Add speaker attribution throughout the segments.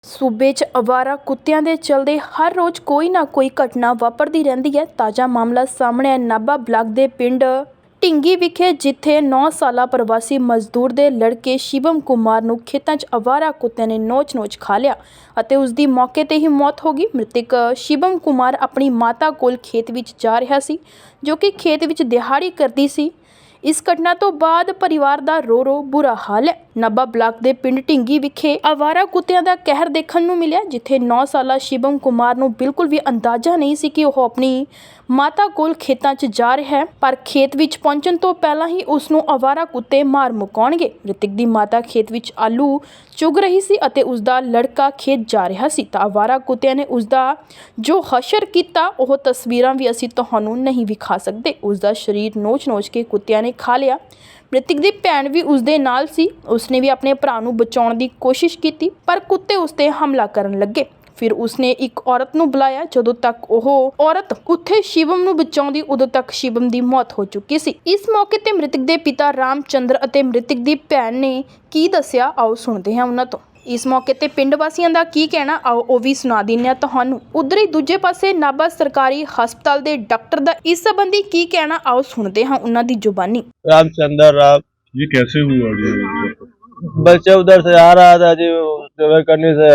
Speaker 1: ਸੂਬੇ 'ਚ ਅਵਾਰਾ ਕੁੱਤਿਆਂ ਦੇ ਚਲਦੇ ਹਰ ਰੋਜ਼ ਕੋਈ ਨਾ ਕੋਈ ਘਟਨਾ ਵਾਪਰਦੀ ਰਹਿੰਦੀ ਹੈ। ਤਾਜ਼ਾ ਮਾਮਲਾ ਸਾਹਮਣੇ ਹੈ ਨਾਭਾ ਬਲਾਕ ਦੇ ਪਿੰਡ ਢਿੰਗੀ ਵਿਖੇ, ਜਿੱਥੇ 9 ਸਾਲਾ ਪ੍ਰਵਾਸੀ ਮਜ਼ਦੂਰ ਦੇ ਲੜਕੇ ਸ਼ਿਵਮ ਕੁਮਾਰ ਨੂੰ ਖੇਤਾਂ 'ਚ ਅਵਾਰਾ ਕੁੱਤਿਆਂ ਨੇ ਨੋਚ-ਨੋਚ ਖਾ ਲਿਆ ਅਤੇ ਉਸ ਦੀ ਮੌਕੇ 'ਤੇ ਹੀ ਮੌਤ ਹੋ ਗਈ। ਮ੍ਰਿਤਕ ਸ਼ਿਵਮ ਕੁਮਾਰ ਆਪਣੀ ਮਾਤਾ ਕੋਲ ਖੇਤ ਵਿੱਚ ਜਾ ਰਿਹਾ ਸੀ, ਜੋ ਕਿ ਖੇਤ ਵਿੱਚ ਦਿਹਾੜੀ ਕਰਦੀ ਸੀ। ਇਸ ਘਟਨਾ ਤੋਂ ਬਾਅਦ ਪਰਿਵਾਰ ਦਾ ਰੋ ਬੁਰਾ ਹਾਲ ਹੈ। ਨਾਭਾ ਬਲਾਕ ਦੇ ਪਿੰਡ ਢਿੰਗੀ ਵਿਖੇ ਅਵਾਰਾ ਕੁੱਤਿਆਂ ਦਾ ਕਹਿਰ ਦੇਖਣ ਨੂੰ ਮਿਲਿਆ, ਜਿੱਥੇ 9 ਸਾਲਾ ਸ਼ਿਵਮ ਕੁਮਾਰ ਨੂੰ ਬਿਲਕੁਲ ਵੀ ਅੰਦਾਜ਼ਾ ਨਹੀਂ ਸੀ ਕਿ ਉਹ ਆਪਣੀ ਮਾਤਾ ਕੋਲ ਖੇਤਾਂ 'ਚ ਜਾ ਰਿਹਾ ਹੈ, ਪਰ ਖੇਤ ਵਿੱਚ ਪਹੁੰਚਣ ਤੋਂ ਪਹਿਲਾਂ ਹੀ ਉਸ ਨੂੰ ਅਵਾਰਾ ਕੁੱਤੇ ਮਾਰ ਮੁਕਾਉਣਗੇ। ਮ੍ਰਿਤਕ ਦੀ ਮਾਤਾ ਖੇਤ ਵਿੱਚ ਆਲੂ ਚੁਗ ਰਹੀ ਸੀ ਅਤੇ ਉਸ ਦਾ ਲੜਕਾ ਖੇਤ ਜਾ ਰਿਹਾ ਸੀ ਤਾਂ ਅਵਾਰਾ ਕੁੱਤਿਆਂ ਨੇ ਉਸ ਦਾ ਜੋ ਹਸ਼ਰ ਕੀਤਾ, ਉਹ ਤਸਵੀਰਾਂ ਵੀ ਅਸੀਂ ਤੁਹਾਨੂੰ ਨਹੀਂ ਵਿਖਾ ਸਕਦੇ। ਉਸ ਦਾ ਸਰੀਰ ਨੋਚ-ਨੋਚ ਕੇ ਕੁੱਤਿਆਂ ਨੇ ਖਾ ਲਿਆ। ਮ੍ਰਿਤਕ ਦੀ ਭੈਣ ਵੀ ਉਸ ਦੇ ਨਾਲ ਸੀ। ਉਸਨੇ ਵੀ ਆਪਣੇ ਭਰਾ ਨੂੰ ਬਚਾਉਣ ਦੀ ਕੋਸ਼ਿਸ਼ ਕੀਤੀ, ਪਰ ਕੁੱਤੇ ਉਸ 'ਤੇ ਹਮਲਾ ਕਰਨ ਲੱਗੇ। ਫਿਰ ਉਸਨੇ ਇੱਕ ਔਰਤ ਨੂੰ ਬੁਲਾਇਆ। ਜਦੋਂ ਤੱਕ ਉਹ ਔਰਤ ਉੱਥੇ ਸ਼ਿਵਮ ਨੂੰ ਬਚਾਉਂਦੀ, ਉਦੋਂ ਤੱਕ ਸ਼ਿਵਮ ਦੀ ਮੌਤ ਹੋ ਚੁੱਕੀ ਸੀ। ਇਸ ਮੌਕੇ ਤੇ ਮ੍ਰਿਤਕ ਦੇ ਪਿਤਾ ਰਾਮ ਚੰਦਰ ਅਤੇ ਮ੍ਰਿਤਕ ਦੀ ਭੈਣ ਨੇ ਕੀ ਦੱਸਿਆ, ਆਓ ਸੁਣਦੇ ਹਾਂ ਉਹਨਾਂ ਤੋਂ। ਇਸ ਮੌਕੇ ਤੇ ਪਿੰਡ ਵਾਸੀਆਂ ਦਾ ਕੀ ਕਹਿਣਾ, ਆਓ ਉਹ ਵੀ ਸੁਣਾ ਦਿੰਦੇ ਹਾਂ ਤੁਹਾਨੂੰ। ਉਧਰ ਹੀ ਦੂਜੇ ਪਾਸੇ ਨਾਭਾ ਸਰਕਾਰੀ ਹਸਪਤਾਲ ਦੇ ਡਾਕਟਰ ਦਾ ਇਸ ਸੰਬੰਧੀ ਕੀ ਕਹਿਣਾ, ਆਓ सुनते हैं उन्होंने दी जुबानी।
Speaker 2: रामचंद्र राव,
Speaker 3: ये कैसे हुआ जी?
Speaker 2: बच्चा उधर से आ रहा था जी, सेवा करने से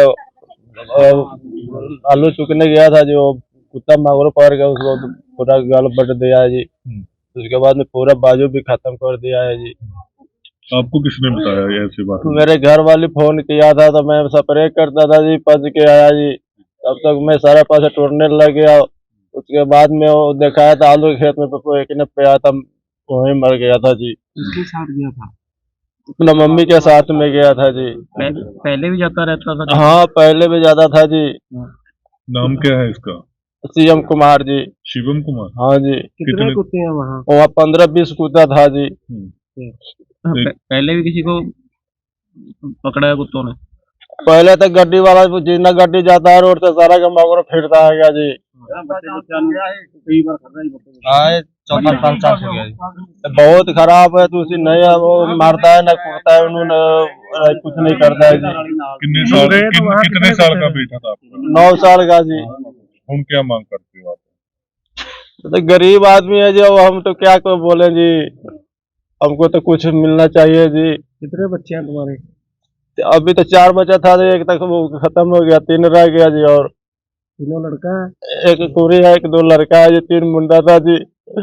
Speaker 2: आलू चुकने गया था जी, वो कुत्ता मांगरो पकड़ गया, उसको पूरा गल बट दिया है जी। उसके बाद में पूरा बाजू भी खत्म कर दिया है जी।
Speaker 3: आपको किसने बताया ये ऐसी बात?
Speaker 2: मेरे घर वाले फोन किया था तो मैं स्प्रे करता था जी, पच के आया जी। तब तक मैं सारा पास टूटने लग गया। उसके बाद में वो दिखाया था आलू के खेत में एक ने पे आया था, वहीं मर गया था जी।
Speaker 4: किसके साथ गया था?
Speaker 2: अपना मम्मी के साथ में गया था जी।
Speaker 4: पहले भी जाता रहता था?
Speaker 2: हाँ, पहले भी ज्यादा था जी।
Speaker 3: नाम क्या है इसका?
Speaker 2: शिवम कुमार जी।
Speaker 3: शिवम कुमार?
Speaker 2: हाँ जी।
Speaker 4: कितने कुत्ते हैं वहाँ?
Speaker 2: वहाँ 15-20 कुत्ता था जी।
Speaker 4: पहले भी किसी को पकड़ा है कुत्तों ने?
Speaker 2: पहले तो गड्डी वाला जितना गड्डी जाता है रोड से सारा का मगर फिरता है क्या जी। हाँ, 14 साल हो गया जी। बहुत खराब है, तो उसी नहीं वो मारता है ना कूटता है, उन्होंने कुछ नहीं करता है जी।
Speaker 3: कितने साल का बेटा था आपका?
Speaker 2: 9 साल का जी।
Speaker 3: हम क्या मांग करते हो आप?
Speaker 2: तो गरीब आदमी है जो, हम तो क्या को बोले जी, हमको तो कुछ मिलना चाहिए जी।
Speaker 4: कितने बच्चे हैं तुम्हारे?
Speaker 2: अभी तो 4 बच्चा था जी, एक तक वो खत्म हो गया, 3 रह गया जी। और
Speaker 4: तीनों लड़का है?
Speaker 2: एक कुड़ी है, एक 2 लड़का है जी, 3 मुंडा था जी।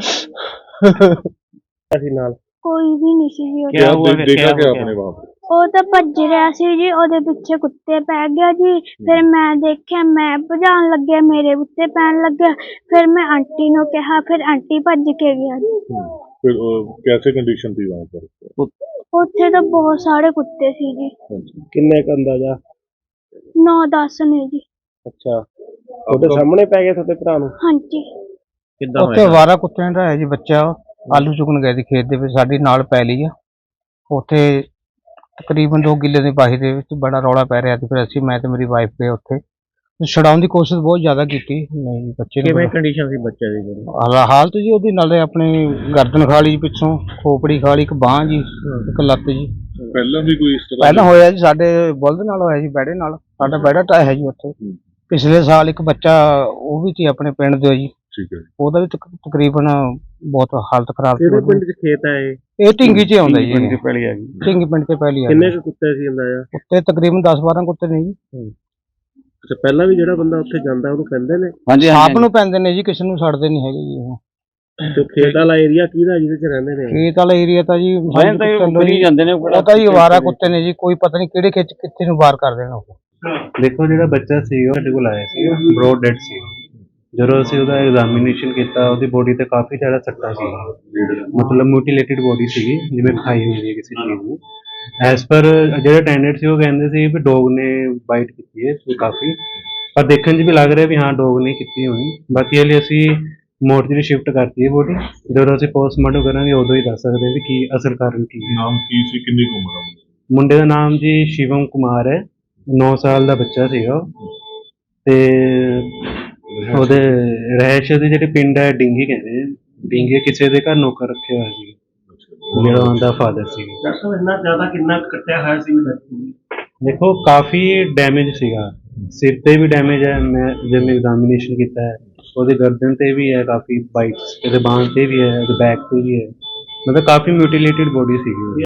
Speaker 5: ਕੋਈ ਵੀ ਨਹੀਂ ਸੀ ਜੀ।
Speaker 3: क्या देखा क्या आपने वहाँ पे?
Speaker 5: ਉਹ ਤਾਂ ਭੱਜ ਰਿਹਾ ਸੀ ਜੀ, ਉਹਦੇ ਪਿੱਛੇ ਕੁੱਤੇ ਪੈ ਗਿਆ ਜੀ। ਫਿਰ ਮੈਂ ਦੇਖਿਆ, ਮੈਂ ਭਜਾਉਣ ਲੱਗਿਆ, ਮੇਰੇ ਉੱਤੇ ਪੈਣ ਲੱਗਿਆ। ਫਿਰ ਮੈਂ ਆਂਟੀ ਨੂੰ ਕਿਹਾ, ਫਿਰ ਆਂਟੀ ਭੱਜ ਕੇ ਗਿਆ ਜੀ।
Speaker 3: फिर कैसे कंडीशन थी वहाँ पर?
Speaker 5: ਉੱਥੇ ਤਾਂ ਬਹੁਤ ਸਾਰੇ ਕੁੱਤੇ ਸੀ ਜੀ,
Speaker 4: किन्ने का अंदाजा?
Speaker 5: 9-10 ਨੇ ਜੀ।
Speaker 4: अच्छा, ਉਹਦੇ ਸਾਹਮਣੇ ਪੈ ਗਏ ਤੁਹਾਡੇ ਭਰਾ ਨੂੰ?
Speaker 5: ਹਾਂਜੀ।
Speaker 4: ਕਿੱਦਾਂ
Speaker 6: ਉੱਥੇ ਅਵਾਰਾ ਕੁੱਤਿਆਂ ਦਾ ਹੈ ਜੀ ਬੱਚਾ, ਆਲੂ ਚੁਗਣ ਗਏ ਸੀ ਖੇਤ ਦੇ ਵਿੱਚ, ਸਾਡੀ ਨਾਲ ਪੈ ਲਈ ਆ। ਉੱਥੇ ਤਕਰੀਬਨ 2 ਕਿੱਲੇ ਦੀ ਬਾਹੀ ਦੇ ਵਿੱਚ ਬੜਾ ਰੌਲਾ ਪੈ ਰਿਹਾ ਸੀ। ਫਿਰ ਅਸੀਂ, ਮੈਂ ਤੇ ਮੇਰੀ ਵਾਈਫ ਗਏ ਉੱਥੇ, ਛਡਾਉਣ ਦੀ ਕੋਸ਼ਿਸ਼ ਬਹੁਤ ਜ਼ਿਆਦਾ ਕੀਤੀ। ਨਹੀਂ, ਬੱਚੇ
Speaker 4: ਕਿਵੇਂ ਕੰਡੀਸ਼ਨ ਸੀ ਬੱਚੇ ਦੀ?
Speaker 6: ਹਾਲਤ ਜੀ ਉਹਦੀ, ਨਾਲੇ ਆਪਣੀ ਗਰਦਨ ਖਾ ਲਈ ਪਿੱਛੋਂ, ਖੋਪੜੀ ਖਾ ਲਈ, ਇੱਕ ਬਾਂਹ ਜੀ, ਇੱਕ ਲੱਤ ਜੀ।
Speaker 3: पहला भी कोई इस तरह?
Speaker 6: ਪਹਿਲਾਂ ਹੋਇਆ ਜੀ, ਸਾਡੇ ਬੁਲਦ ਨਾਲ ਹੋਇਆ ਜੀ, ਬੈੜੇ ਨਾਲ। ਸਾਡਾ ਬੈੜਾ ਟਾਇਆ ਹੈ ਜੀ ਉੱਥੇ। ਪਿਛਲੇ ਸਾਲ ਇੱਕ ਬੱਚਾ ਉਹ ਵੀ ਸੀ ਆਪਣੇ ਪਿੰਡ ਦੇ ਜੀ,
Speaker 3: ठीक है।
Speaker 6: ਉਹਦਾ ਵੀ ਤਕਰੀਬਨ ਬਹੁਤ ਹਾਲਤ ਖਰਾਬ ਸੀ।
Speaker 4: ਕਿਹੜੇ ਪਿੰਡ 'ਚ ਖੇਤ ਹੈ ਇਹ?
Speaker 6: ਇਹ ਢਿੰਗੀ 'ਚ ਆਉਂਦਾ ਜੀ,
Speaker 4: ਪਿੰਡ 'ਚ ਪਹਿਲੀ ਆ ਗਈ।
Speaker 6: ਢਿੰਗੀ ਪਿੰਡ ਤੇ ਪਹਿਲੀ ਆ।
Speaker 4: ਕਿੰਨੇ ਕੁ ਕੁੱਤੇ ਸੀ ਅੰਦਾਜ਼ਾ?
Speaker 6: ਉੱਤੇ ਤਕਰੀਬਨ 10-12 ਕੁੱਤੇ ਨੇ ਜੀ।
Speaker 4: ਅੱਛਾ, ਪਹਿਲਾਂ ਵੀ ਜਿਹੜਾ ਬੰਦਾ ਉੱਥੇ ਜਾਂਦਾ ਉਹਨੂੰ ਕਹਿੰਦੇ ਨੇ?
Speaker 6: ਹਾਂਜੀ, ਆਪ ਨੂੰ ਪੈਂਦੇ ਨੇ ਜੀ, ਕਿਸੇ ਨੂੰ ਛੱਡਦੇ ਨਹੀਂ ਹੈਗੇ ਜੀ। ਉਹ
Speaker 4: ਜੋ ਖੇਤ ਵਾਲਾ ਏਰੀਆ ਕਿਹਦਾ ਜਿਹਦੇ 'ਚ ਰਹਿੰਦੇ ਨੇ?
Speaker 6: ਖੇਤ ਵਾਲਾ ਏਰੀਆ ਤਾਂ ਜੀ
Speaker 4: ਜਾਂਦੇ ਨੇ,
Speaker 6: ਉਹ ਤਾਂ ਜੀ ਅਵਾਰਾ ਕੁੱਤੇ ਨੇ ਜੀ, ਕੋਈ ਪਤਾ ਨਹੀਂ ਕਿਹੜੇ ਖੇਤ 'ਚ ਕਿੱਥੇ ਨੂੰ ਵਾਰ ਕਰ ਦੇਣਾ ਉਹ।
Speaker 7: ਦੇਖੋ, ਜਿਹੜਾ ਬੱਚਾ ਸੀ ਉਹ ਸਾਡੇ ਕੋਲ ਆਇਆ ਸੀ, ਬ੍ਰੌਡ ਡੈਡ ਸੀ। ਜਦੋਂ ਅਸੀਂ ਉਹਦਾ ਐਗਜ਼ਾਮੀਨੇਸ਼ਨ ਕੀਤਾ, ਉਹਦੀ ਬੋਡੀ ਤੇ ਕਾਫੀ ਜ਼ਿਆਦਾ ਸੱਟਾਂ ਸੀ, ਮਤਲਬ ਮਿਊਟੀਲੇਟਿਡ ਬੋਡੀ ਸੀਗੀ, ਜਿਵੇਂ ਖਾਈ ਹੋਈ ਹੈ ਕਿਸੇ ਚੀਜ਼ ਨੂੰ। ਐਜ਼ ਪਰ ਜਿਹੜੇ ਅਟੈਂਡੈਂਟ ਸੀ ਉਹ ਕਹਿੰਦੇ ਸੀ ਵੀ ਡੋਗ ਨੇ ਬਾਈਟ ਕੀਤੀ ਹੈ ਕਾਫੀ, ਪਰ ਦੇਖਣ 'ਚ ਵੀ ਲੱਗ ਰਿਹਾ ਵੀ ਹਾਂ ਡੋਗ ਨੇ ਕੀਤੀ ਹੋਣੀ। ਬਾਕੀ ਹਲੇ ਅਸੀਂ ਮੋਰਚਰੀ ਸ਼ਿਫਟ ਕਰਤੀ ਹੈ ਬੋਡੀ, ਜਦੋਂ ਅਸੀਂ ਪੋਸਟਮਾਰਟਮ ਕਰਾਂਗੇ ਉਦੋਂ ਹੀ ਦੱਸ ਸਕਦੇ ਹਾਂ ਵੀ ਕੀ ਅਸਲ ਕਾਰਨ ਕੀ ਹੈ।
Speaker 3: नाम की सी, कितनी उम्र है?
Speaker 7: ਮੁੰਡੇ ਦਾ ਨਾਮ ਜੀ ਸ਼ਿਵਮ ਕੁਮਾਰ ਹੈ, 9 ਸਾਲ ਦਾ ਬੱਚਾ ਸੀਗਾ ਉਹ। ਤੇ ਉਹਦੇ ਰਹਿਸ਼ ਦੇ ਜਿਹੜੇ ਪਿੰਡ ਹੈ ਢਿੰਗੀ ਕਹਿੰਦੇ ਆ, ਢਿੰਗੀ ਕਿਸੇ ਦੇ ਘਰ ਨੌਕਰ ਰੱਖਿਆ ਹੋਇਆ ਸੀ, ਜਿਹੜਾ ਉਹਦਾ ਫਾਦਰ ਸੀ।
Speaker 4: ਇੰਨਾ ਜ਼ਿਆਦਾ ਕਿੰਨਾ ਕੱਟਿਆ ਹੋਇਆ ਸੀ?
Speaker 7: ਦੇਖੋ ਕਾਫੀ ਡੈਮੇਜ ਸੀਗਾ, ਸਿਰ ਤੇ ਵੀ ਡੈਮੇਜ ਹੈ, ਮੈਂ ਜਦ ਮੈਂ ਐਗਜ਼ਾਮੀਨੇਸ਼ਨ ਕੀਤਾ ਹੈ ਉਹਦੇ ਗਰਦਨ ਤੇ ਵੀ ਹੈ ਕਾਫੀ ਬਾਈਟਸ, ਇਹਦੇ ਬਾਂਹ ਤੇ ਵੀ ਹੈ, ਇਹਦੇ ਬੈਕ ਤੇ ਵੀ ਹੈ, ਮਤਲਬ ਕਾਫੀ ਮਿਊਟੀਲੇਟਿਡ ਬੋਡੀ ਸੀਗੀ ਉਹਦੀ।